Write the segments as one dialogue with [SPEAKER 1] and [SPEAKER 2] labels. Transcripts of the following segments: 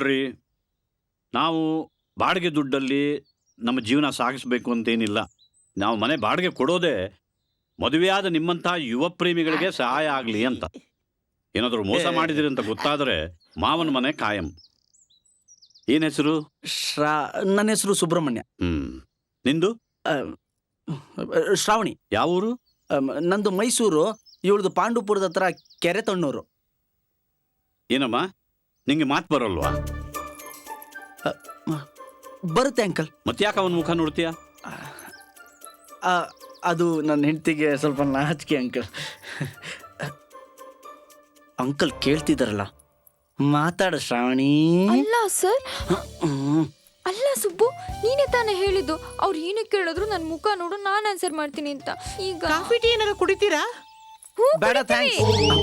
[SPEAKER 1] ನೋಡ್ರಿ, ನಾವು ಬಾಡಿಗೆ ದುಡ್ಡಲ್ಲಿ ನಮ್ಮ ಜೀವನ ಸಾಗಿಸಬೇಕು ಅಂತೇನಿಲ್ಲ. ನಾವು ಮನೆ ಬಾಡಿಗೆ ಕೊಡೋದೇ ಮದುವೆಯಾದ ನಿಮ್ಮಂಥ ಯುವ ಪ್ರೇಮಿಗಳಿಗೆ ಸಹಾಯ ಆಗಲಿ ಅಂತ. ಏನಾದರೂ ಮೋಸ ಮಾಡಿದಿರಿ ಅಂತ ಗೊತ್ತಾದರೆ ಮಾವನ ಮನೆ ಕಾಯಂ. ಏನ್ ಹೆಸರು?
[SPEAKER 2] ನನ್ನ ಹೆಸರು ಸುಬ್ರಹ್ಮಣ್ಯ.
[SPEAKER 1] ನಿಂದು?
[SPEAKER 2] ಶ್ರಾವಣಿ.
[SPEAKER 1] ಯಾವ ಊರು?
[SPEAKER 2] ನಂದು ಮೈಸೂರು, ಇವಳದು ಪಾಂಡುಪುರದ ಹತ್ರ ಕೆರೆ ತಣ್ಣೂರು.
[SPEAKER 1] ಏನಮ್ಮ, ನಿಂಗೆ ಮಾತು ಬರೋಲ್ವಾ?
[SPEAKER 2] ಬರುತ್ತೆ ಅಂಕಲ್.
[SPEAKER 1] ಮತ್ತ್ಯಾಕೆ ಅವನ ಮುಖ ನೋಡ್ತೀಯ?
[SPEAKER 2] ಅದು ನನ್ನ ಹೆಂಡತಿಗೆ ಸ್ವಲ್ಪ ನಾಚಿಕೆ ಅಂಕಲ್. ಅಂಕಲ್ ಕೇಳ್ತಿದಾರಲ್ಲ, ಮಾತಾಡ ಶ್ರಾವಣಿ.
[SPEAKER 3] ಅಲ್ಲ ಸರ್, ಅಲ್ಲ ಸುಬ್ಬು, ನೀನೇ ತಾನೇ ಹೇಳಿದ್ದು ಅವ್ರು ಏನೇ ಕೇಳಿದ್ರು ನನ್ನ ಮುಖ ನೋಡು, ನಾನು ಆನ್ಸರ್ ಮಾಡ್ತೀನಿ ಅಂತ. ಈಗ
[SPEAKER 4] ಕಾಫಿ ಟೀ ಏನಾರು ಕುಡಿತೀರಾ?
[SPEAKER 2] ಬೇಡ, ಥ್ಯಾಂಕ್ಸ್.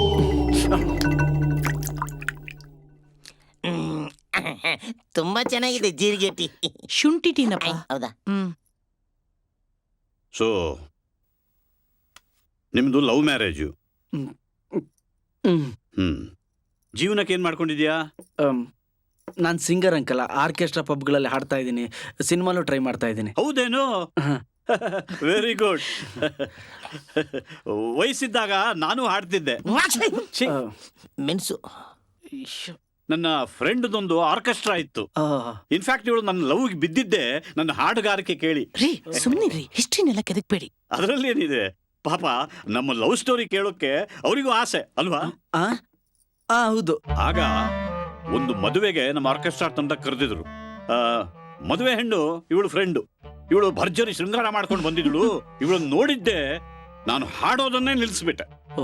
[SPEAKER 4] ತುಂಬಾ ಚೆನ್ನಾಗಿದೆ ಜೀರಿಗೆ ಟೀ. ಶುಂಠಿ ಟೀನಪ್ಪ. ಹೌದಾ?
[SPEAKER 1] ಸೊ ನಿಮ್ದು ಲವ್ ಮ್ಯಾರೇಜು. ಜೀವನಕ್ಕೆ ಏನ್ ಮಾಡ್ಕೊಂಡಿದ್ಯಾ?
[SPEAKER 2] ನಾನು ಸಿಂಗರ್ ಅಂಕಲ್. ಆರ್ಕೆಸ್ಟ್ರಾ ಪಬ್ಗಳಲ್ಲಿ ಹಾಡ್ತಾ ಇದ್ದೀನಿ, ಸಿನಿಮಾಲು ಟ್ರೈ ಮಾಡ್ತಾ ಇದ್ದೀನಿ.
[SPEAKER 1] ಹೌದೇನು? Very good. ವಯಸ್ಸಿದ್ದಾಗ ನಾನು ಹಾಡ್ತಿದ್ದೆ.
[SPEAKER 4] ಮೆಣಸು.
[SPEAKER 1] ನನ್ನ ಫ್ರೆಂಡ್ದೊಂದು ಆರ್ಕೆಸ್ಟ್ರಾ ಇತ್ತು. ಇನ್ಫ್ಯಾಕ್ಟ್ ಇವಳು ನನ್ನ ಲವ್ಗೆ ಬಿದ್ದಿದ್ದೆ ನನ್ನ ಹಾಡುಗಾರಿಕೆ ಕೇಳಿ.
[SPEAKER 4] ರೀ ಸುಮ್ಮನಿರಿ, ಹಿಸ್ಟ್ರಿನೆಲ್ಲ ಕೆದಕ್ಬೇಡಿ.
[SPEAKER 1] ಅದರಲ್ಲಿ ಏನಿದೆ ಪಾಪ, ನಮ್ಮ ಲವ್ ಸ್ಟೋರಿ ಕೇಳೋಕೆ ಅವರಿಗೂ ಆಸೆ ಅಲ್ವಾ?
[SPEAKER 2] ಹೌದು.
[SPEAKER 1] ಆಗ ಒಂದು ಮದುವೆಗೆ ನಮ್ಮ ಆರ್ಕೆಸ್ಟ್ರಾ ತಂಡ ಕರೆದಿದ್ರು. ಮದುವೆ ಹೆಣ್ಣು ಇವಳು ಫ್ರೆಂಡು. ಇವಳು ಭರ್ಜರಿ ಶೃಂಗಾರ ಮಾಡ್ಕೊಂಡು ಬಂದಿದ್ಳು. ಇವಳನ್ನ ನೋಡಿದ್ದೆ ನಾನು ಹಾಡೋದನ್ನೇ ನಿಲ್ಲಿಸ್ಬಿಟ್ಟೆ.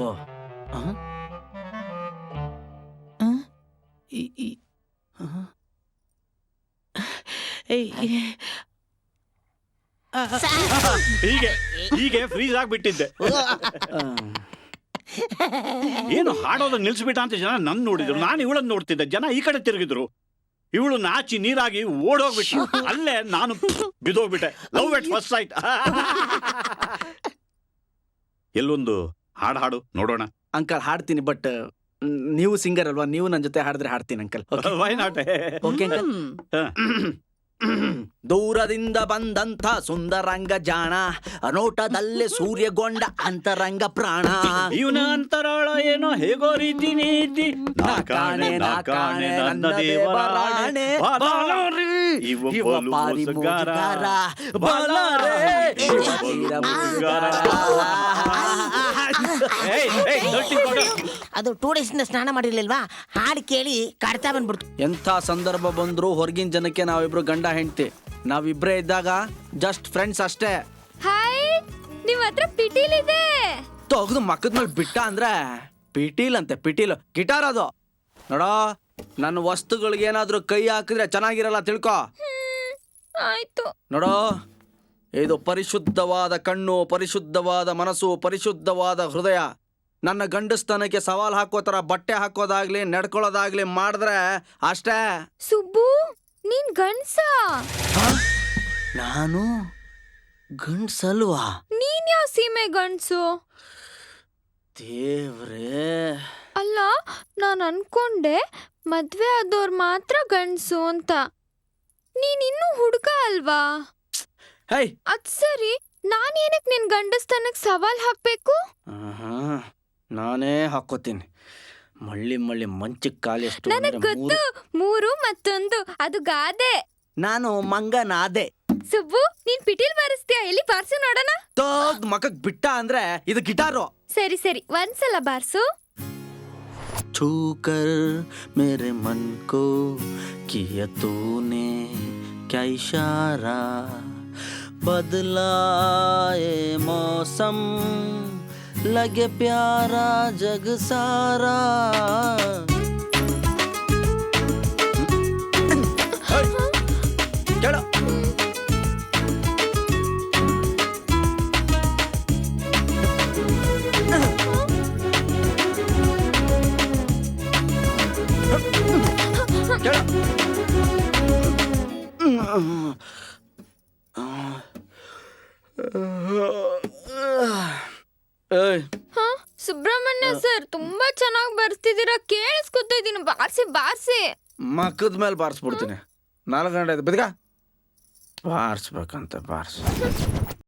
[SPEAKER 1] ಹೀಗೆ ಹೀಗೆ ಫ್ರೀಸ್ ಆಗ್ಬಿಟ್ಟಿದ್ದೆ. ಏನು ಹಾಡೋದನ್ನ ನಿಲ್ಸ್ಬಿಟ್ಟ ಅಂತ ಜನ ನನ್ನ ನೋಡಿದ್ರು, ನಾನು ಇವಳನ್ನ ನೋಡ್ತಿದ್ದೆ. ಜನ ಈ ಕಡೆ ತಿರುಗಿದ್ರು. ಇವಳು ನಾಚಿ ನೀರಾಗಿ ಓಡೋಗ್ಬಿಟ್ಟು ಅಲ್ಲೇ ನಾನು ಬಿದೋಗ್ಬಿಟ್ಟೆ. Love at first sight. ಎಲ್ಲೊಂದು ಹಾಡು ನೋಡೋಣ.
[SPEAKER 2] ಅಂಕಲ್ ಹಾಡ್ತೀನಿ, ಬಟ್ ನೀವು ಸಿಂಗರ್ ಅಲ್ವಾ, ನೀವು ನನ್ನ ಜೊತೆ ಹಾಡಿದ್ರೆ ಹಾಡ್ತೀನಿ uncle.
[SPEAKER 1] Why not?
[SPEAKER 2] Okay uncle. ದೂರದಿಂದ ಬಂದಂಥ ಸುಂದರಂಗ ಜಾಣ, ನೋಟದಲ್ಲೇ ಸೂರ್ಯಗೊಂಡ ಅಂತರಂಗ ಪ್ರಾಣ.
[SPEAKER 1] ಇವನ ಅಂತರಾಳ ಏನೋ ಹೇಗೋ ರೀತಿ ನೀತಿ.
[SPEAKER 2] ನಾಕಾಣೆ ನಾಕಾಣೆ ನನ್ನ ದೇವರಾಣೆ,
[SPEAKER 1] ಇವ ಪಾರಿ ಮೋಜುಗಾರ,
[SPEAKER 2] ಬಲಾರೆ
[SPEAKER 4] ಅದು 2 ಡೇಸ್ ಸ್ನಾನ ಮಾಡಿರ್ಲಿಲ್ವಾ, ಹಾಡು ಕೇಳಿ ಕಾಡ್ತಾ ಬಂದ್ಬಿಡ್ತು.
[SPEAKER 2] ಎಂಥ ಸಂದರ್ಭ ಬಂದ್ರು ಹೊರಗಿನ ಜನಕ್ಕೆ ನಾವಿಬ್ರು ಗಂಡ ಹೆಂಡ್ತಿ. ನಾವಿಬ್ರೇ ಇದ್ದಾಗ ಜಸ್ಟ್ ಫ್ರೆಂಡ್ಸ್ ಅಷ್ಟೇ.
[SPEAKER 3] ಹಾಯ್, ನಿಮ್ಮ ಹತ್ರ ಪಿಟೀಲ್ ಇದೆ.
[SPEAKER 2] ತೆಗೆದು ಮಕ್ಕದ ಮೇಲೆ ಬಿಟ್ಟ ಅಂದ್ರೆ ಪಿಟೀಲ್ ಅಂತೆ, ಪಿಟೀಲ್ ಗಿಟಾರ್ ಅದು. ನೋಡೋ, ನನ್ನ ವಸ್ತುಗಳಿಗೆ ಏನಾದ್ರೂ ಕೈ ಹಾಕಿದ್ರೆ ಚೆನ್ನಾಗಿರಲ್ಲ, ತಿಳ್ಕೊ.
[SPEAKER 3] ಆಯ್ತು.
[SPEAKER 2] ನೋಡೋ, ಇದು ಪರಿಶುದ್ಧವಾದ ಕಣ್ಣು, ಪರಿಶುದ್ಧವಾದ ಮನಸ್ಸು, ಪರಿಶುದ್ಧವಾದ ಹೃದಯ. ನನ್ನ ಗಂಡಸ್ತನಕ್ಕೆ ಸವಾಲ್ ಹಾಕೋ ತರ ಬಟ್ಟೆ ಹಾಕೋದಾಗ್ಲಿ ನಡ್ಕೊಳ್ಳೋದಾಗ್ಲಿ ಮಾಡಿದ್ರೆ ಅಷ್ಟೇ.
[SPEAKER 3] ಸುಬ್ಬು, ನೀನ್ ಗಂಡ್ಸ?
[SPEAKER 2] ನಾನು ಗಂಡ್ಸಲ್ವಾ?
[SPEAKER 3] ನೀನ್ ಯಾವ ಸೀಮೆ ಗಂಡ್ಸು?
[SPEAKER 2] ದೇವ್ರೇ.
[SPEAKER 3] ಅಲ್ಲ, ನಾನು ಅನ್ಕೊಂಡೆ ಮದ್ವೆ ಆದವ್ರು ಮಾತ್ರ ಗಂಡ್ಸು ಅಂತ. ನೀನಿನ್ನೂ ಹುಡುಗ ಅಲ್ವಾ?
[SPEAKER 2] ಹೇ,
[SPEAKER 3] ಅದ್ ಸರಿ, ನಾನೇನಕ್ ನಿನ್ ಗಂಡಸ್ತನಕ್ ಸವಾಲ್ ಹಾಕ್ಬೇಕು?
[SPEAKER 2] ನಾನೇ ಹಾಕೋತೀನಿ. ಮಳ್ಳಿ ಮಳ್ಳಿ ಮಂಚಕ್ಕೆ ಕಾಲೆಷ್ಟು?
[SPEAKER 3] ನನಗ್ ಗೊತ್ತು, 3 ಮತ್ತೊಂದು, ಅದು ಗಾದೆ.
[SPEAKER 2] ನಾನು ಮಂಗನಾದೆ.
[SPEAKER 3] ಸುಬ್ಬು, ನೀನ್ ಪಿಟೀಲ್ ಬಾರಿಸ್ತೀಯ? ಎಲ್ಲಿ ಬಾರ್ಸು ನೋಡೋಣ.
[SPEAKER 2] ತೋಗ್ ಮಕ್ಕಕ್ ಬಿಟ್ಟ ಅಂದ್ರೆ ಇದು ಗಿಟಾರು.
[SPEAKER 3] ಸರಿ ಸರಿ, ಒಂದ್ಸಲ ಬಾರ್ಸು.
[SPEAKER 2] छूकर मेरे मन को किया तूने क्या इशारा, बदला ये मौसम लगे प्यारा जग सारा. चलो
[SPEAKER 3] ಸುಬ್ರಹ್ಮಣ್ಯ ಸರ್, ತುಂಬಾ ಚೆನ್ನಾಗಿ ಬರ್ತಿದ್ದೀರಾ, ಕೇಳಿಸ್ಕೊತಾ ಇದೀನಿ. ಬಾರ್ಸಿ ಬಾರ್ಸಿ.
[SPEAKER 2] ಮಕ್ಕದ ಮೇಲೆ ಬಾರಿಸ್ಬಿಡ್ತೀನಿ 4 ಗಂಟೆ ಆಯ್ತು ಬಿದ್ಗ ಬಾರಿಸ್ಬೇಕಂತ ಬಾರಿಸ್